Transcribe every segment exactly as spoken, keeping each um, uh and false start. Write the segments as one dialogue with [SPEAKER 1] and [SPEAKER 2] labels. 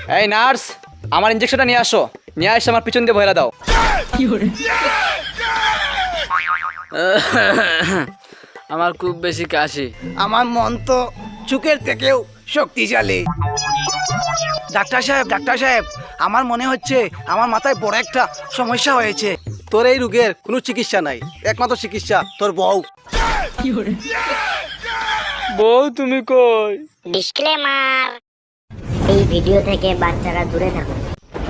[SPEAKER 1] এই নার্স, আমার ইনজেকশনটা নিয়ে আসো। নিয়ে এসে আমার পিছন দিয়ে ভয়লা দাও।
[SPEAKER 2] আমার খুব বেশি কাশি।
[SPEAKER 3] আমার মন তো চুকের থেকেও শক্তিশালী। ডাক্তার সাহেব ডাক্তার সাহেব আমার মনে হচ্ছে আমার মাথায় বড় একটা সমস্যা হয়েছে। তোর এই রোগের কোনো চিকিৎসা নাই, একমাত্র চিকিৎসা তোর বউ।
[SPEAKER 2] বউ তুমি কই?
[SPEAKER 4] ডিসক্লেমার, এই ভিডিও থেকে বাচ্চারা দূরে থাকুন।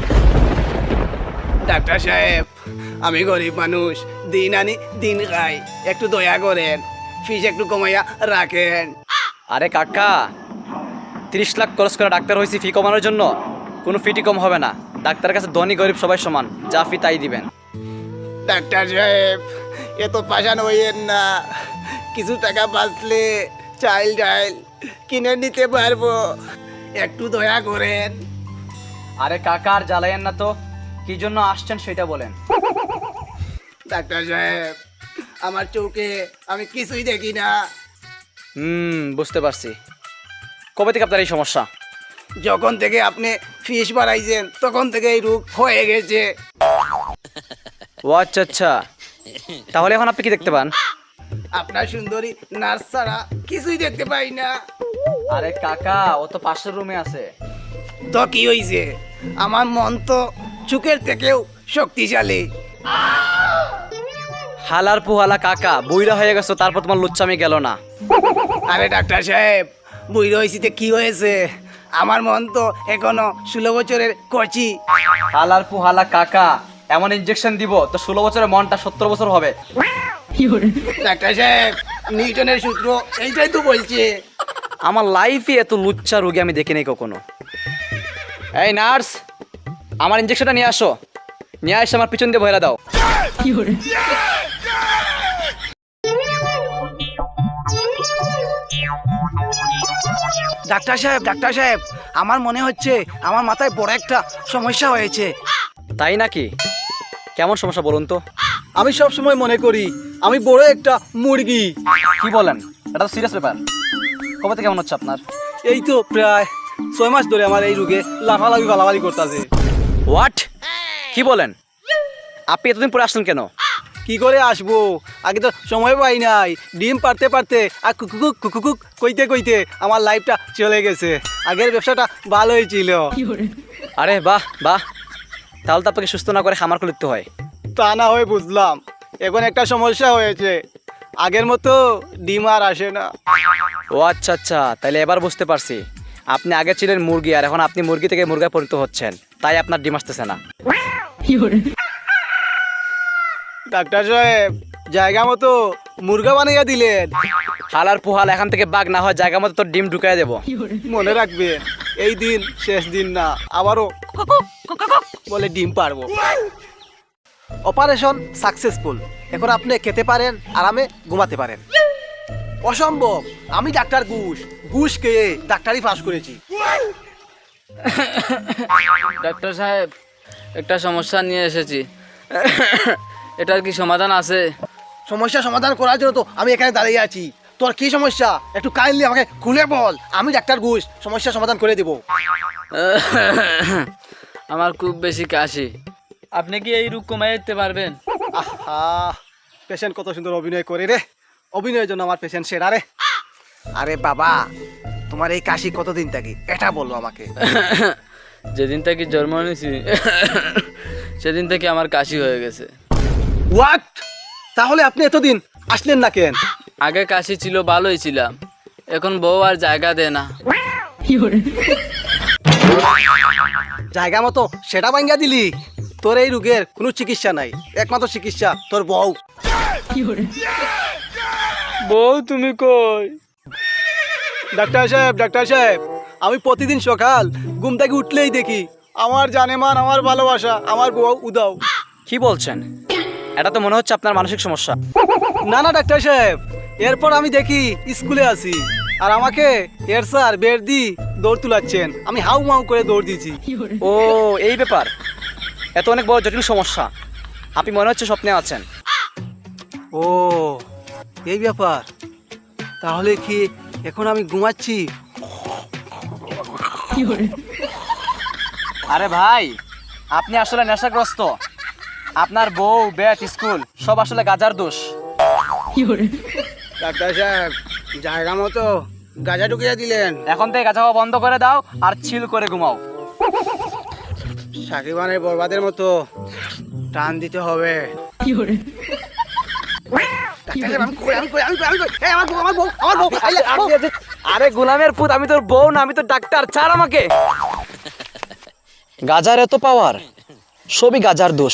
[SPEAKER 3] ডাক্তার সাহেব আমি গরিব মানুষ, দিন আনি দিন খাই, একটু দয়া করেন, ফিস একটু কমাইয়া রাখেন।
[SPEAKER 1] আরে কাকা, তিরিশ লাখ খরচ করে ডাক্তার হয়েছি ফি কমানোর জন্য? কোনো ফিটি কম হবে না। ডাক্তারের কাছে ধনী গরিব সবাই সমান, যা ফি তাই দিবেন।
[SPEAKER 3] ডাক্তার সাহেব এত পাশান হইয়েন না, কিছু টাকা বাঁচলে চাইল ডাইল কিনে নিতে পারবো, একটু দয়া করেন।
[SPEAKER 1] আরে কাকা আর জ্বালাইয়েন না তো, কি জন্য আসছেন সেটা বলেন।
[SPEAKER 3] ডাক্তার সাহেব আমার চোখে আমি কিছুই দেখি না।
[SPEAKER 1] হুম, বুঝতে পারছি। কবে থেকে আপনার এই সমস্যা?
[SPEAKER 3] যখন থেকে আপনি ফিস বাড়াইছেন তখন থেকে এই রোগ হয়ে গেছে।
[SPEAKER 1] ও আচ্ছা আচ্ছা, তাহলে এখন আপনি কি দেখতে পান?
[SPEAKER 3] আপনার সুন্দরী নার্স ছাড়া কিছুই দেখতে পাই না।
[SPEAKER 1] আরে কাকা, ও তো পাশের রুমে আছে।
[SPEAKER 3] তো কি হয়েছে? আমার মন তো চুকের থেকেও শক্তিশালী।
[SPEAKER 1] হালার পুহালা কাকা, বুইরা হয়ে গেছো, তারপর তোমার লুচ্চামি গেল না।
[SPEAKER 3] আরে ডাক্তার সাহেব বুড়ি হয়েছিতে কি হয়েছে? আমার মন তো এখনো ষোলো বছরের কচি।
[SPEAKER 1] হালার পুহালা কাকা, এমন ইনজেকশন দিব তো ষোলো বছরের মনটা সত্তর বছর হবে।
[SPEAKER 3] ডাক্তার সাহেব নিউটনের সূত্র এইটাই তো বলছে।
[SPEAKER 1] আমার লাইফে এত লুচ্চা রোগী আমি দেখিনি কখনো। এই নার্স, আমার ইনজেকশনটা নিয়ে আসো। নিয়ে এসে আমার পিছন দিয়ে ভয়লা দাও।
[SPEAKER 3] ডাক্তার সাহেব ডাক্তার সাহেব আমার মনে হচ্ছে আমার মাথায় বড় একটা সমস্যা হয়েছে।
[SPEAKER 1] তাই নাকি? কেমন সমস্যা বলুন তো?
[SPEAKER 3] আমি সব সময় মনে করি আমি বড় একটা মুরগি।
[SPEAKER 1] কি বলেন? এটা তো সিরিয়াস ব্যাপার। কবে থেকে কেমন হচ্ছে আপনার?
[SPEAKER 3] এই তো প্রায় ছয় মাস ধরে আমার এই রোগে লাফালাফি ফালাফালি করতেছে।
[SPEAKER 1] হোয়াট? কি বলেন? আপনি এতদিন পরে আসলেন কেন?
[SPEAKER 3] কি করে আসবো, আগে তো সময় পাই নাই। ডিম পারতে পারতে আর কুকুক কুকুক কইতে কইতে আমার লাইফটা চলে গেছে। আগের ব্যবসাটা ভালোই ছিল।
[SPEAKER 1] আরে বাহ বাহ, তাহলে তো আপনাকে সুস্থ না করে খামার করে দিতে হয়।
[SPEAKER 3] তা না হয় বুঝলাম, এখন একটা সমস্যা হয়েছে, আগের মতো ডিম আর আসে না।
[SPEAKER 1] ও আচ্ছা আচ্ছা, তাহলে এবার বুঝতে পারছি। আপনি আগে ছিলেন মুরগি, আর এখন আপনি মুরগি থেকে মুরগা পরিণত হচ্ছেন, তাই আপনার ডিম আসতেছে না।
[SPEAKER 3] ডাক্তার সাহেব জায়গা মতো মুরগা বানাইয়া দিলেন।
[SPEAKER 1] হালার পুহাল, এখান থেকে বাঘ না হয় জায়গা মতো তোর ডিম ঢুকাই দেবো।
[SPEAKER 3] মনে রাখবেন এই দিন শেষ দিন না, আবারও বলে ডিম পারবো। অপারেশন সাকসেসফুল, এখন আপনি খেতে পারেন, আরামে ঘুমাতে পারেন। অসম্ভব, আমি ডাক্তার ঘুষ ঘুষ খেয়ে ডাক্তারি পাস করেছি।
[SPEAKER 2] ডাক্তার সাহেব, একটা সমস্যা নিয়ে এসেছি। এটার কি সমাধান আছে?
[SPEAKER 3] সমস্যা সমাধান করার জন্য তো আমি এখানে দাঁড়িয়ে আছি। তোর কি সমস্যা একটু কাইন্ডলি আমাকে খুলে বল, আমি ডাক্তার ঘুষ সমস্যা সমাধান করে দেবো।
[SPEAKER 2] আমার খুব বেশি কাশি। আপনি কি এই রোগ কমাই দিতে পারবেন?
[SPEAKER 3] আহা, পেশেন্ট কত সুন্দর অভিনয় করে রে, অভিনয়ের জন্য আমার পেশেন্ট সেরা রে। আরে বাবা, তোমার এই কাশি কতদিন থাকি এটা বলো আমাকে।
[SPEAKER 2] যেদিন থেকে জন্ম নিয়েছি সেদিন থেকে আমার কাশি হয়ে গেছে।
[SPEAKER 3] হোয়াট? তাহলে আপনি এতদিন আসলেন না কেন?
[SPEAKER 2] আগে কাশি ছিল, ভালোই ছিলাম, এখন বউ আর জায়গা দেয় না।
[SPEAKER 3] জায়গা মতো সেটা ভাঙ্গা দিলি। তোর এই রোগের কোনো চিকিৎসা নাই, একমাত্র চিকিৎসা তোর বউ।
[SPEAKER 2] বউ তুমি কই?
[SPEAKER 3] ডাক্তার সাহেব ডাক্তার সাহেব আমি প্রতিদিন সকাল ঘুম থেকে উঠলেই দেখি আমার জানেমান, আমার ভালোবাসা, আমার বউ উদাও।
[SPEAKER 1] কি বলছেন? এটা তো মনে হচ্ছে আপনার মানসিক সমস্যা।
[SPEAKER 3] না না ডাক্তার সাহেব, এরপর আমি দেখি স্কুলে আসি আর আমাকে এর স্যার বের দি দৌড় তুলাচ্ছেন, আমি হাউ মাউ করে দৌড় দিয়েছি।
[SPEAKER 1] ও এই ব্যাপার, এত অনেক বড় জটিল সমস্যা। আপনি মনে হচ্ছে স্বপ্নে আছেন।
[SPEAKER 3] ও এই ব্যাপার, তাহলে কি এখন আমি ঘুমাচ্ছি?
[SPEAKER 1] আরে ভাই, আপনি আসলে নেশাগ্রস্ত। আপনার বউ, বেট, স্কুল সব আসলে গাজার দোষ।
[SPEAKER 3] ডাক্তার সাহেব জায়গা মতো গাঁজা ঢুকিয়ে দিলেন।
[SPEAKER 1] এখন থেকে গাঁজা খাওয়া বন্ধ করে দাও আর চিল করে ঘুমাও।
[SPEAKER 3] সাকিবানের বরবাদের মতো টান দিতে হবে। ডাক্তার সাহেব, আমি কই, আমি কই, আমি কই, আমি কই। এই, আমার বউ, আমার বউ, আমার বউ, এই যে, বউ।
[SPEAKER 1] আরে গোলামের পুত, আমি তোর বউ না, আমি তো ডাক্তার। ছাড় আমাকে। গাজার এত পাওয়ার, সবই গাজার দোষ।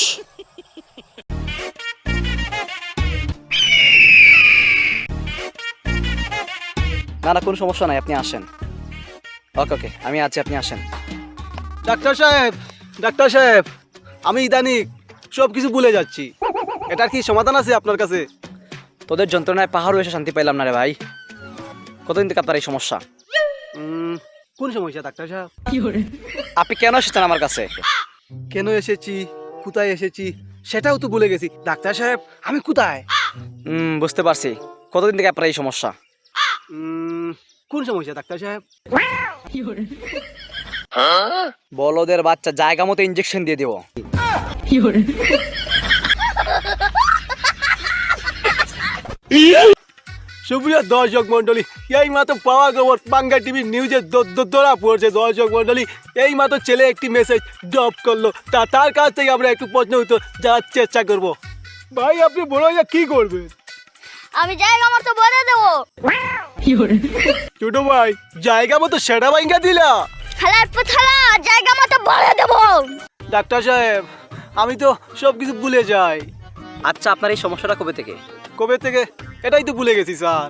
[SPEAKER 1] না না, কোনো সমস্যা নাই, আপনি আসেন। ওকে ওকে, আমি আছি, আপনি আসেন।
[SPEAKER 3] ডাক্তার সাহেব, ডাক্তার সাহেব, আমি ইদানিং সব কিছু ভুলে যাচ্ছি। এটার কি সমাধান আছে আপনার কাছে?
[SPEAKER 1] তোদের যন্ত্রণায় পাহাড়ও এসে শান্তি পাইলাম না রে ভাই। কতদিন থেকে আপনার এই সমস্যা?
[SPEAKER 3] উম, কোন সমস্যা ডাক্তার সাহেব?
[SPEAKER 1] আপনি কেন এসেছেন আমার কাছে?
[SPEAKER 3] কেন এসেছি, কোথায় এসেছি সেটাও তো ভুলে গেছি। ডাক্তার সাহেব, আমি কোথায়?
[SPEAKER 1] হুম, বুঝতে পারছি। কতদিন থেকে আপনার এই সমস্যা?
[SPEAKER 3] উম, কোন সমস্যা ডাক্তার সাহেব?
[SPEAKER 1] বলদের বাচ্চা, জায়গা মতো ইঞ্জেকশন দিয়ে দেবো।
[SPEAKER 3] সুপ্রিয় দর্শক মন্ডলী, এই মাত্র পাওয়া খবর বাংলা টিভি নিউজে ধরা পড়ছে। দর্শক মন্ডলী, এই মাত্র ছেলে একটি মেসেজ ড্রপ করলো। তা তার কাছ থেকে আমরা একটু প্রশ্ন উত্তর জানার চেষ্টা করব। ভাই, আপনি বড় হয়ে কি করবেন?
[SPEAKER 5] আমি জায়গা মতো বলে দেবো।
[SPEAKER 3] ছোট ভাই, জায়গা মতো সেটা ভাঙ্গা দিলা।
[SPEAKER 5] খেলার পথালা জায়গা মতো বলে দেবো।
[SPEAKER 3] ডাক্তার সাহেব, আমি তো সব কিছু ভুলে যাই।
[SPEAKER 1] আচ্ছা, আপনার এই সমস্যাটা কবে থেকে?
[SPEAKER 3] কবে থেকে? এটাই তো ভুলে গেছি স্যার।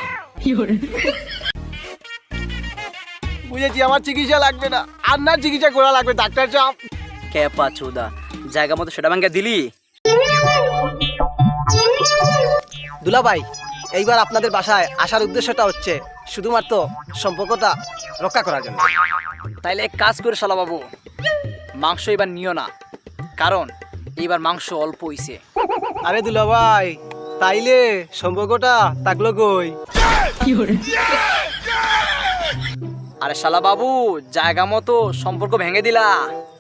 [SPEAKER 3] বুঝেছি, আমার চিকিৎসা লাগবে না, আপনার চিকিৎসা করা লাগবে ডাক্তার সাহেব।
[SPEAKER 1] ক্যাপা চুদা, জায়গা মতো সেটা ভাঙ্গা দিলি।
[SPEAKER 3] দুলা ভাই, এইবার আপনাদের বাসায় আসার উদ্দেশ্যটা হচ্ছে শুধুমাত্র সম্পর্কটা রক্ষা করার জন্য।
[SPEAKER 1] তাইলে এক কাজ করে শালা বাবু, মাংস এবার নিও না, কারণ এইবার মাংস অল্প হইছে।
[SPEAKER 3] আরে দুলা ভাই, তাইলে সম্পর্কটা থাকলো কই?
[SPEAKER 1] আরে শালা বাবু, জায়গা মতো সম্পর্ক ভেঙে দিলা।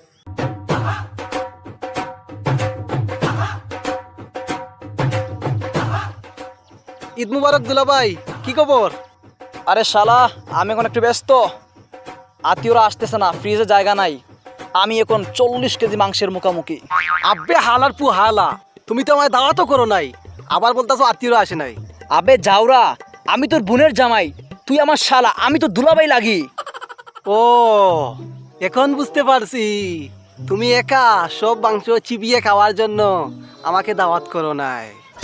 [SPEAKER 3] ঈদ মুবারক দুলা ভাই, কি খবর?
[SPEAKER 1] আরে শালা, আমি এখন একটু ব্যস্ত, আত্মীয়রা আসতেছে না, ফ্রিজে জায়গা নাই। আমি এখন চল্লিশ কেজি মাংসের মুখামুখি।
[SPEAKER 3] আব্বে হালার পু হালা, তুমি তো আমায় দাওয়াতও করো নাই, আবার বলতাছো আত্মীয়রা আসে নাই।
[SPEAKER 1] আবে যাওরা, আমি তোর বোনের জামাই, তুই আমার শালা, আমি তো দুলাভাই লাগি।
[SPEAKER 3] ও, এখন বুঝতে পারছি, তুমি একা সব মাংস চিবিয়ে খাওয়ার জন্য আমাকে দাওয়াত করো নাই।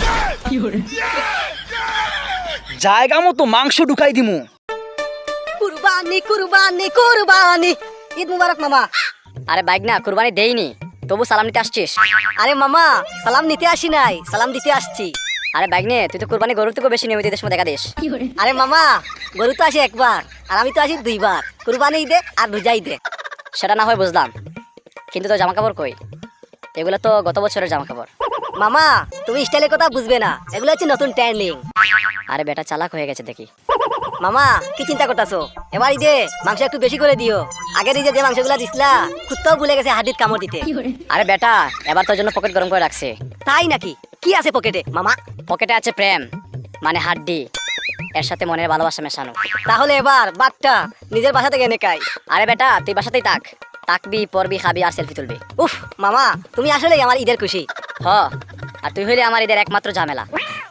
[SPEAKER 1] জায়গা মতো মাংস ঢুকাই দিমু।
[SPEAKER 5] কুরবানি কুরবানি কুরবানি। ঈদ মুবারক মামা। আরে বাইক না, কুরবানি দেইনি, তবু সালাম নিতে আসছিস? আরে মামা, সালাম নিতে আসি নাই, সালাম দিতে আসছি। আরে বাইক নে, তুই তো কুরবানি গরুর থেকে বেশি নিয়মিত সময় দেখা দিস। আরে মামা, গরু তো আসে একবার, আর আমি তো আসি দুইবার। কুরবানি ঈদে আর রোজা ঈদে। সেটা না হয় বুঝলাম, কিন্তু তো জামা কাপড় কই? এগুলো তো গত বছরের জামা কাপড়। মামা, তুমি স্টাইলের কথা বুঝবে না, এগুলো হচ্ছে নতুন ট্রেন্ডিং। আরে বেটা চালাক হয়ে গেছে দেখি। মামা, কি চিন্তা করতেছো? এবার ঈদে মাংস একটু বেশি করে দিও। আগের ঈদে যে মাংসগুলা দিছিলা, কুত্তাও ভুলে গেছে হাড়ির কামড় দিতে। আরে বেটা, এবার তোর জন্য পকেট গরম করে রাখছে। তাই নাকি? কি আছে পকেটে মামা? পকেটে আছে প্রেম, মানে হাড্ডি, এর সাথে মনের ভালোবাসা মেশানো। তাহলে এবার বাটটা নিজের বাসা থেকে এনে খাই। আরে বেটা, তুই বাসাতেই থাক, তাকবি, পরবি, খাবি আর সেলফি তুলবি। উফ মামা, তুমি আসলেই আমার ঈদের খুশি। হ, আর তুই হইলে আমার ঈদের একমাত্র ঝামেলা।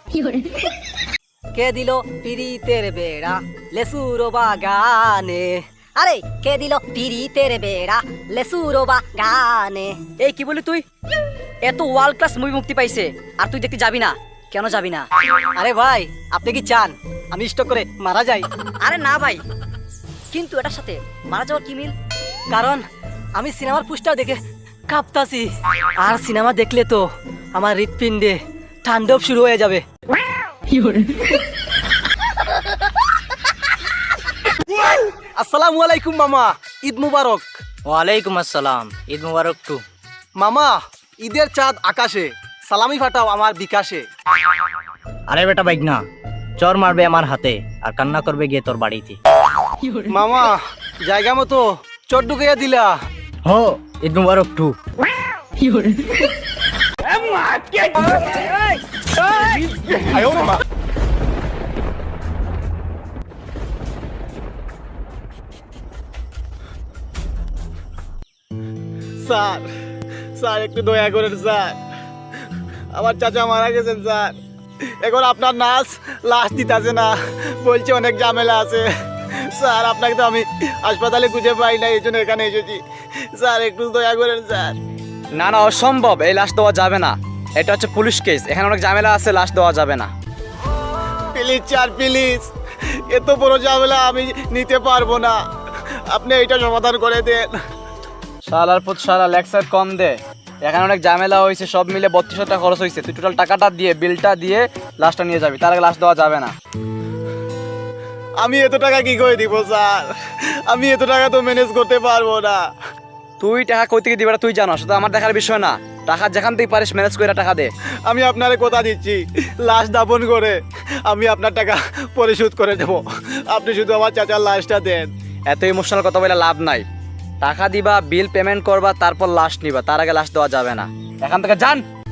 [SPEAKER 5] কে দিল পিরিতের বেড়া লেসুর বাগানে? আরে কে দিল পিরিতের বেড়া লেসুর বাগানে?
[SPEAKER 1] এই কি বলি তুই? এত ওয়ার্ল্ড ক্লাস মুভি মুক্তি পাইছে, আর তুই দেখতে যাবি না? কেন যাবি না?
[SPEAKER 3] আরে ভাই, আপনি কি চান আমি স্টক করে মারা যাই?
[SPEAKER 1] আরে না ভাই, কিন্তু এটার সাথে মারা যাওয়ার কি মিল?
[SPEAKER 3] কারণ আমি সিনেমার পোস্টার দেখে কাঁপতাছি, আর সিনেমা দেখলে তো আমার হৃৎপিণ্ডে তাণ্ডব শুরু হয়ে যাবে। আসসালামু আলাইকুম মামা, ঈদ মুবারক।
[SPEAKER 6] ওয়ালাইকুম আসসালাম, ঈদ মুবারক টু।
[SPEAKER 3] মামা, ঈদের চাঁদ আকাশে, সালামি ফাটাও আমার বিকাশে।
[SPEAKER 6] আরে বেটা বাইক না, চর মারবে আমার হাতে আর কান্না করবে গিয়ে তোর বাড়িতে।
[SPEAKER 3] মামা, জায়গা মতো চট ঢুকাইয়া দিলা,
[SPEAKER 6] হো ঈদ মুবারক টু।
[SPEAKER 3] স্যার স্যার একটু দয়া করেন স্যার, আমার চাচা মারা গেছেন স্যার। এখন আপনার নার্স লাশ দিতেছে না, বলছে অনেক ঝামেলা আছে। স্যার আপনাকে তো আমি হাসপাতালে খুঁজে পাই না, এই জন্য এখানে এসেছি। স্যার একটু দয়া করেন স্যার।
[SPEAKER 1] না না, অসম্ভব, এই লাশ দেওয়া যাবে না। এটা হচ্ছে পুলিশ কেস, এখানে অনেক ঝামেলা আছে, লাশ দেওয়া যাবে না।
[SPEAKER 3] প্লিজ স্যার প্লিজ, এত বড় ঝামেলা আমি নিতে পারবো না, আপনি এইটা সমাধান করে দেন।
[SPEAKER 1] শালার পুত শালা লেক্সার কম দে, এখানে অনেক ঝামেলা হয়েছে, সব মিলে বত্রিশ টাকা খরচ হয়েছে। তুই টোটাল টাকাটা দিয়ে বিলটা দিয়ে লাশটা নিয়ে যাবি, তার আগে লাশ দেওয়া যাবে না।
[SPEAKER 3] আমি এত টাকা কি করে দিব স্যার, আমি এত টাকা তো ম্যানেজ করতে পারবো না।
[SPEAKER 1] তুই টাকা কই থেকে দিবে তুই জানো, সেটা আমার দেখার বিষয় না। টাকা যেখান থেকে পারিস ম্যানেজ করে টাকা দে।
[SPEAKER 3] আমি আপনারে কথা দিচ্ছি, লাশ দাপন করে আমি আপনার টাকা পরিশোধ করে দেব, আপনি শুধু আমার চাচার লাশটা দেন।
[SPEAKER 1] এত ইমোশনাল কথা বলে লাভ নাই। টাকা দিবা, বিল পেমেন্ট করবা, তারপর লাশ নিবা, তার আগে লাশ দেওয়া যাবে না। এখান থেকে যান।